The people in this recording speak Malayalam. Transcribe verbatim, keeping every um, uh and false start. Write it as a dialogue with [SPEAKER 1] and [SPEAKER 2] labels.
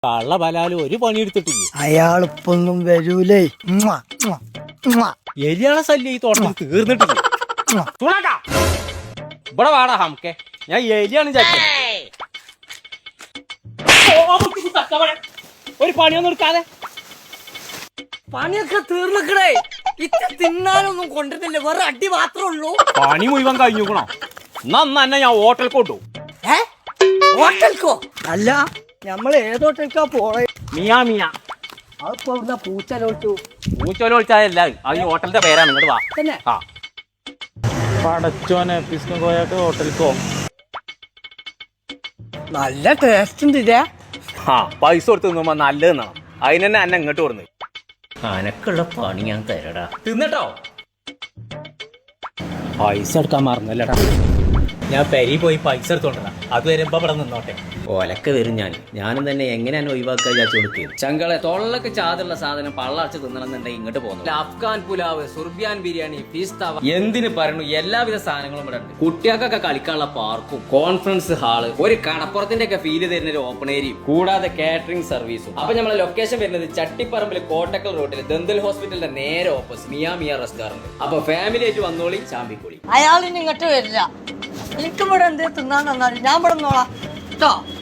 [SPEAKER 1] കള്ള ബലാലും ഒരു പണി എടുത്തിട്ടില്ല.
[SPEAKER 2] അയാളിപ്പൊന്നും വരൂലേ.
[SPEAKER 1] എലിയാളെ ശല്യം ഈ തോട്ടത്തിൽ തീർന്നിട്ടില്ല. ഇവിടെ വാടാ ഹംക്കെ, ഞാൻ എലിയാണ് ഒരു പണിയൊന്നും എടുക്കാതെ.
[SPEAKER 2] പണിയൊക്കെ തീർന്നിക്കണേ. ഇച്ച തിന്നാനൊന്നും കൊണ്ടിട്ടില്ല, വേറെ അടി മാത്രമേ ഉള്ളൂ.
[SPEAKER 1] പണി മുഴുവൻ കഴിഞ്ഞുക്കണോ? എന്നാ തന്നെ ഞാൻ ഹോട്ടൽ കൊണ്ടു.
[SPEAKER 2] ഹോട്ടൽക്കോ? അല്ല, നമ്മൾ ഏത് ഹോട്ടൽക്കാ പോണേ?
[SPEAKER 1] മിയാ മിയാ.
[SPEAKER 2] അതിപ്പോ ഇവിടുന്ന് പൂച്ചലോട്ടു.
[SPEAKER 1] പൂച്ചോലോളിച്ചാലല്ല, അത് ഈ ഹോട്ടലിന്റെ പേരാണ്. ഇങ്ങോട്ട് വാ.
[SPEAKER 2] തന്നെ
[SPEAKER 1] ആ പടച്ചോനെ, പിസ്കം കോയാക്ക് ഹോട്ടലിക്കോ?
[SPEAKER 2] നല്ല ടേസ്റ്റ് ഉണ്ട് ഇതേ.
[SPEAKER 1] ആ പൈസ കൊടുത്ത് തിന്നുമ്പോ നല്ലതെന്നാണ്. അതിന് തന്നെ എന്നെ ഇങ്ങോട്ട് കൊടുന്ന്. അനക്കുള്ള പണി ഞാൻ തരടാ. തിന്നട്ടോ. പൈസ എടുക്കാൻ മറന്നല്ലടാ. ഞാൻ പെരി പോയി പൈസ എടുത്തോണ്ടാ. അത് വരുമ്പോ ഇവിടെ നിന്നോട്ടെ.
[SPEAKER 3] ഓലൊക്കെ വരും ഞാൻ ഞാനും തന്നെ എങ്ങനെയാണ് ഒഴിവാക്കാൻ വിചാരിച്ചു കൊടുക്കുക. ചങ്കളെ തൊള്ളക്ക് ചാതുള്ള സാധനം പള്ളടച്ച് തിന്നണമെന്നുണ്ടെങ്കിൽ ഇങ്ങോട്ട് പോകുന്നു. അഫ്ഗാൻ പുലാവ്, സുർബിയാൻ ബിരിയാണി, ഫീസ് തവ, എന്തിന് പറഞ്ഞു എല്ലാവിധ സാധനങ്ങളും ഇവിടെ ഉണ്ട്. കുട്ടികൾക്കൊക്കെ കളിക്കാനുള്ള പാർക്കും കോൺഫറൻസ് ഹാള്, ഒരു കടപ്പുറത്തിന്റെ ഒക്കെ ഫീല് തരുന്ന ഒരു ഓപ്പൺ ഏരിയയും, കൂടാതെ കാറ്ററിംഗ് സർവീസും. അപ്പൊ നമ്മളെ ലൊക്കേഷൻ വരുന്നത് ചട്ടിപ്പറമ്പിൽ കോട്ടക്കൽ റോഡിൽ ദന്തൽ ഹോസ്പിറ്റലിന്റെ നേരെ ഓപ്പോസിറ്റ് മിയാ മിയാ റെസ്റ്റോറന്റ്. അപ്പൊ ഫാമിലി ആയിട്ട് വന്നോളി, ചാമ്പിക്കോളി.
[SPEAKER 2] അയാളിന് ഇങ്ങോട്ട് വരില്ല. എനിക്കും ഇവിടെ എന്തേ തിന്നാൻ തന്നാലും ഞാൻ ഇവിടെ നോളാം കേട്ടോ.